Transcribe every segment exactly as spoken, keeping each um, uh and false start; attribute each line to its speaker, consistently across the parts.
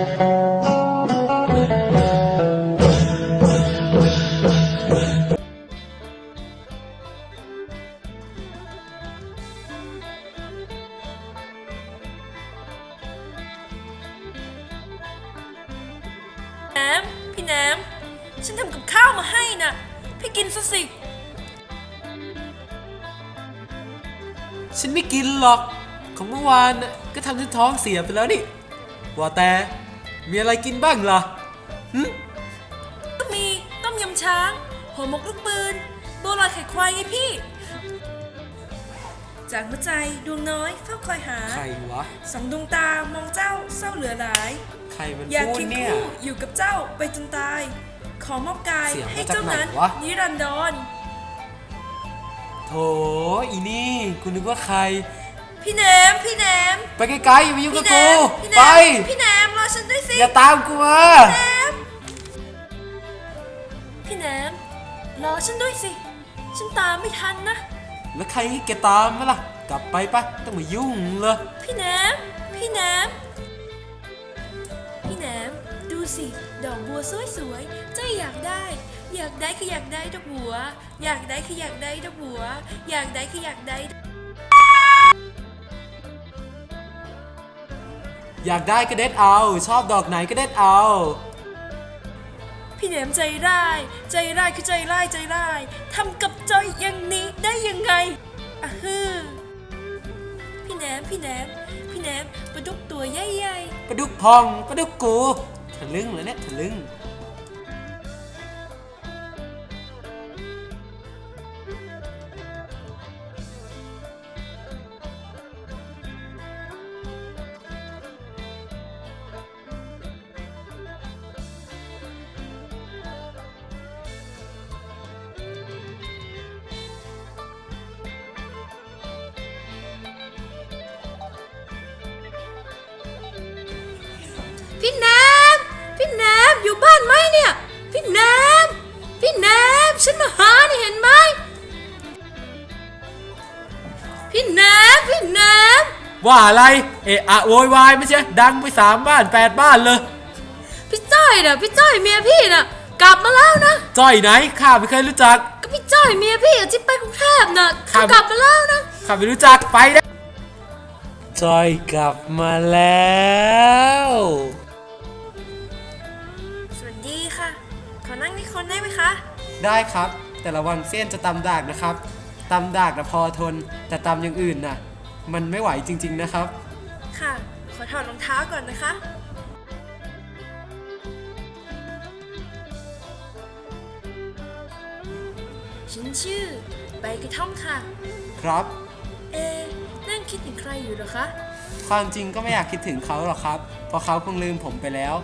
Speaker 1: แหนมพี่แหนมฉันทำกับข้าวมาให้นะพี่กินซะสิ
Speaker 2: ฉันไม่กินหรอกของเมื่อวานก็ทำฉันท้องเสียไปแล้วนี่ว่าแต่มีอะไรกินบ้างล่ะหึ
Speaker 1: ก็มีต้มยำช้างห่อหมกลูกปืนบัวลอยไข่ควายไงพี่จากหัวใจดวงน้อยเฝ้าคอยหา
Speaker 2: ใครวะ
Speaker 1: สองดวงตามองเจ้าเศร้าเหลือหลาย
Speaker 2: ใครมัน
Speaker 1: อยาก
Speaker 2: พูด
Speaker 1: เคียง
Speaker 2: เนี่ย
Speaker 1: คู่อยู่กับเจ้าไปจนตายขอมอบกายให้เจ้านั้นนิรันดร
Speaker 2: โถอีนี่กูนึกว่าใคร
Speaker 1: พี่แหนมพี่แหนม
Speaker 2: ไปไกลๆอย่ามายุ่งกับกูไป
Speaker 1: พี่แหนมรอฉันด้วยสิ
Speaker 2: อย่าตามกูมา
Speaker 1: พี่แหนมรอฉันด้วยสิฉันตามไม่ทันนะ
Speaker 2: แล้วใครให้แกตามมาล่ะกลับไปปะต้องมายุ่งเลย
Speaker 1: พี่แหนมพี่แหนมพี่แหนมดูสิดอกบัวสวยๆเจ้าอยากได้อยากได้คืออยากได้ดอกบัวอยากได้คืออยากได้ดอกบัวอยากได้คืออยากได้
Speaker 2: อยากได้ก็เด็ดเอาชอบดอกไหนก็เด็ดเอา
Speaker 1: พี่แหนมใจร้ายใจร้ายคือใจร้ายใจร้ายทำกับจอยอย่างนี้ได้ยังไงอะฮือพี่แหนมพี่แหนมพี่แหนมปลาดุกตัวใหญ่
Speaker 2: ๆปลาดุกพองปลาดุกกูทะลึ่งเลยเนี่ยทะลึ่ง
Speaker 1: พี่แหนมพี่แหนมอยู่บ้านไหมเนี่ยพี่แหนมพี่แหนมฉันมาหาเนี่ยเห็นไหมพี่แหนมพี่แหนม
Speaker 2: ว่าอะไรเอะอะโวยวายไม่ใช่ดังไปสามบ้านแปดบ้านเลย
Speaker 1: พี่จ้อยน่ะพี่จ้อยเมียพี่น่ะกลับมาแล้วนะ
Speaker 2: จ้อยไหนข้าไม่เคยรู้จัก
Speaker 1: ก็พี่จ้อยเมียพี่ที่ไปกรุงเทพน่ะเขากลับมาแล้วนะ
Speaker 2: ข้าไม่รู้จักไปได้จ้อยกลับมาแล้ว
Speaker 1: สวัสดีค่ะขอนั่งที่คนได้ไหมคะ
Speaker 2: ได้ครับแต่ระวังเส้นจะตำดากนะครับตำดากนะพอทนแต่ตำอย่างอื่นน่ะมันไม่ไหวจริงๆนะครับ
Speaker 1: ค่ะขอถอดรองเท้าก่อนนะคะฉันชื่อใบกระท่อมค่ะ
Speaker 2: ครับ
Speaker 1: เอนั่งคิดถึงใครอยู่หรอคะ
Speaker 2: ความจริงก็ไม่อยากคิดถึงเขาหรอกครับเพราะเขาคงลืมผมไปแล้ว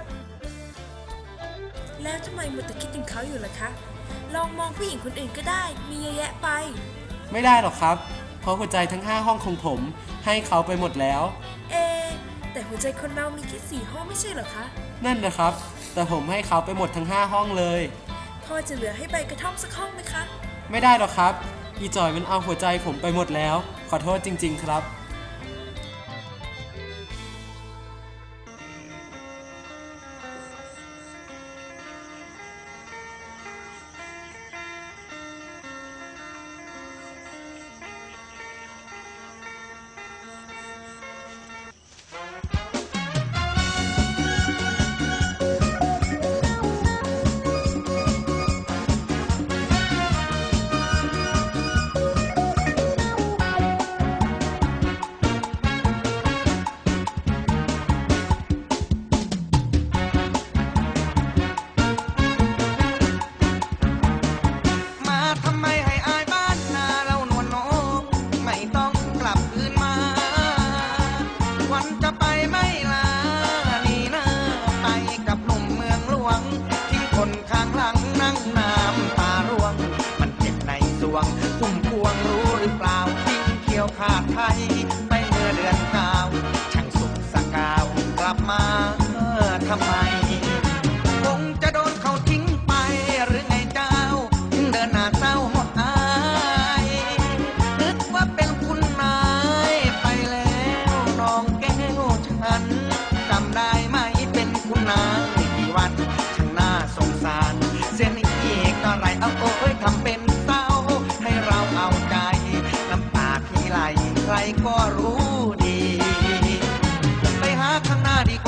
Speaker 1: แล้วทำไมมัวแต่คิดถึงเขาอยู่ล่ะคะลองมองผู้หญิงคนอื่นก็ได้มีเยอะแยะไป
Speaker 2: ไม่ได้หรอกครับเพราะหัวใจทั้งห้าห้องของผมให้เขาไปหมดแล้ว
Speaker 1: เอแต่หัวใจคนเรามีแค่สี่ห้องไม่ใช่หรอคะ
Speaker 2: นั่นนะครับแต่ผมให้เขาไปหมดทั้งห้าห้องเลย
Speaker 1: พอจะเหลือให้ใบกระท่อมสักห้องไหมคะ
Speaker 2: ไม่ได้หรอกครับอีจอยมันเอาหัวใจผมไปหมดแล้วขอโทษจริงๆครับ
Speaker 3: ขาดไทยไปเมื่อเดือนเก้าช่างสุขสกาวกลับมาทำไมคงจะโดนเขาทิ้งไปหรือไงเจ้าถึงเดินหน้าเศร้าหดอายนึกว่าเป็นคุณนายไปแล้วน้องแก้วฉันจำได้ไหมเป็น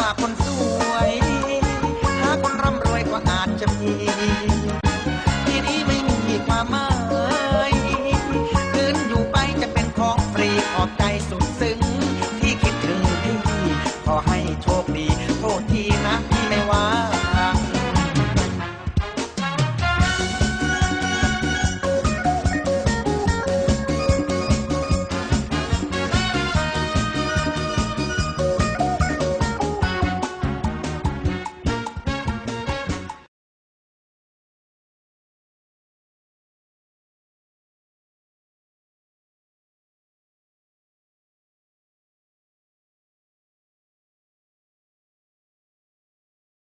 Speaker 3: คนโส